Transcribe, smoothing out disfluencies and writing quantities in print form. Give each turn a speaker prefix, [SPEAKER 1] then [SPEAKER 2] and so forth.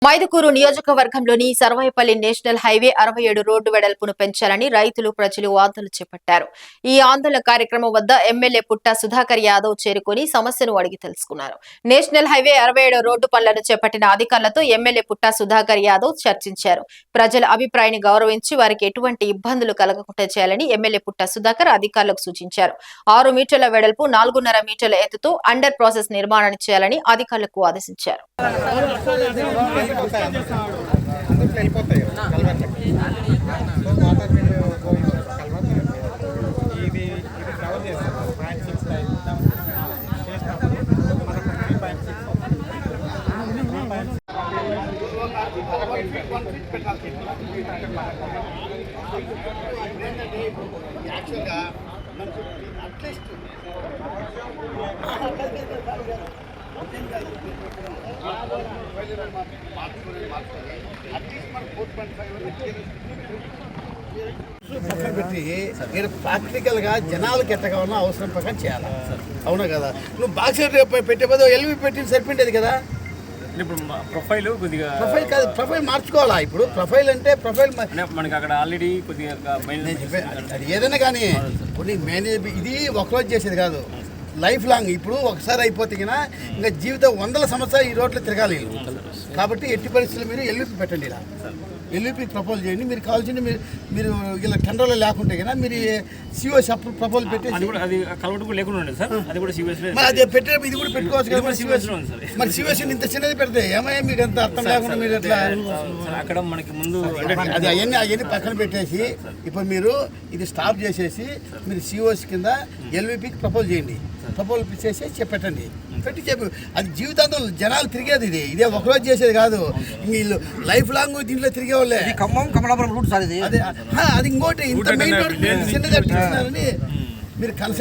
[SPEAKER 1] మైదుకూరు నియోజకవర్గంలోని సర్వాయిపల్లి national highway 67 road వెడల్పును పెంచాలని రైతులు ప్రజలు ఆందోళన చేపట్టారు. ఈ ఆందోళన కార్యక్రమం వద్ద ఎమ్మెల్యే పుట్టా సుధాకర్ యాదవ్ చేరుకుని సమస్యను అడిగి తెలుసుకున్నారు. నేషనల్ హైవే 67 రోడ్డు పనులను చేపట్టిన అధికారులతో ఎమ్మెల్యే పుట్టా సుధాకర్ యాదవ్ చర్చించారు. ప్రజల అభిప్రాయాన్ని గౌరవించి వారికి ఎటువంటి ఇబ్బందులు కలగకుండా చేయాలని ఎమ్మెల్యే పుట్టా సుధాకర్ అధికారులకు సూచించారు. 6 మీటర్ల వెడల్పు 4.5 మీటర్ల ఎత్తుతో అండర్ ప్రాసెస్ నిర్మాణాన్ని చేయాలని అధికారులకు ఆదేశించారు.
[SPEAKER 2] పక్కన పెట్టి మీరు ప్రాక్టికల్గా జనాలకు ఎట్ట కావాలన్నా అవసరం ప్రకారం చేయాలి. అవునా కదా? నువ్వు బాక్స్ పెట్టే బదులు ఎల్వి పెట్టి సరిపోయింది కదా.
[SPEAKER 3] ఇప్పుడు ప్రొఫైల్ కొద్దిగా
[SPEAKER 2] ప్రొఫైల్ కాదు, ప్రొఫైల్ మార్చుకోవాలా. ఇప్పుడు ప్రొఫైల్ అంటే ప్రొఫైల్
[SPEAKER 3] మనకి అక్కడ ఆల్రెడీ కొద్దిగా
[SPEAKER 2] అది ఏదైనా కానీ ఇప్పుడు మేనేజ్ ఇది ఒకరోజు చేసేది కాదు, లైఫ్ లాంగ్. ఇప్పుడు ఒకసారి అయిపోతే కదా ఇంకా జీవితం 100 సంవత్సరాలు ఈ రోడ్లో తిరగాలి. కాబట్టి ఎట్టి పరిస్థితులు మీరు ఎల్విపి పెట్టండి. ఇలా ఎల్విపి ప్రపోజ్ చేయండి. మీరు కావాల్సింది మీరు ఇలా టెండర్లో లేకుంటే కదా మీరు సిఓఎస్ అప్పుడు ప్రపోజల్ పెట్టేసి
[SPEAKER 3] అది కలవటు కూడా లేకుండా ఉండదు సార్. అది కూడా సిఓఎస్
[SPEAKER 2] అది పెట్టేటప్పుడు ఇది కూడా పెట్టుకోవచ్చు కదా. మరి సిఓఎస్ ఇంత చిన్నది పెడితే ఏమయ్యా మీకు అంత అర్థం లేకుండా మీరు ఎట్లా
[SPEAKER 3] అక్కడ మనకి ముందు
[SPEAKER 2] అది అవన్నీ పక్కన పెట్టేసి ఇప్పుడు మీరు ఇది స్టాప్ చేసేసి మీరు సిఓఎస్ కింద ఎల్విపికి ప్రపోజ్ చేయండి. ప్రపోజల్ చేసి పెట్టండి. పెట్టి చెప్పు. అది జీవితాంతం జనాలు తిరిగేది. ఇదే ఒకరోజు చేసేది కాదు. వీళ్ళు లైఫ్ లాంగ్ దీంట్లో తిరిగే వాళ్ళే.
[SPEAKER 4] ఖమ్మం కమలాపురం రూట్ సార్ ఇది.
[SPEAKER 2] అది ఇంకోటి ఇంత మెయిన్ రోడ్ చిన్నగా మీరు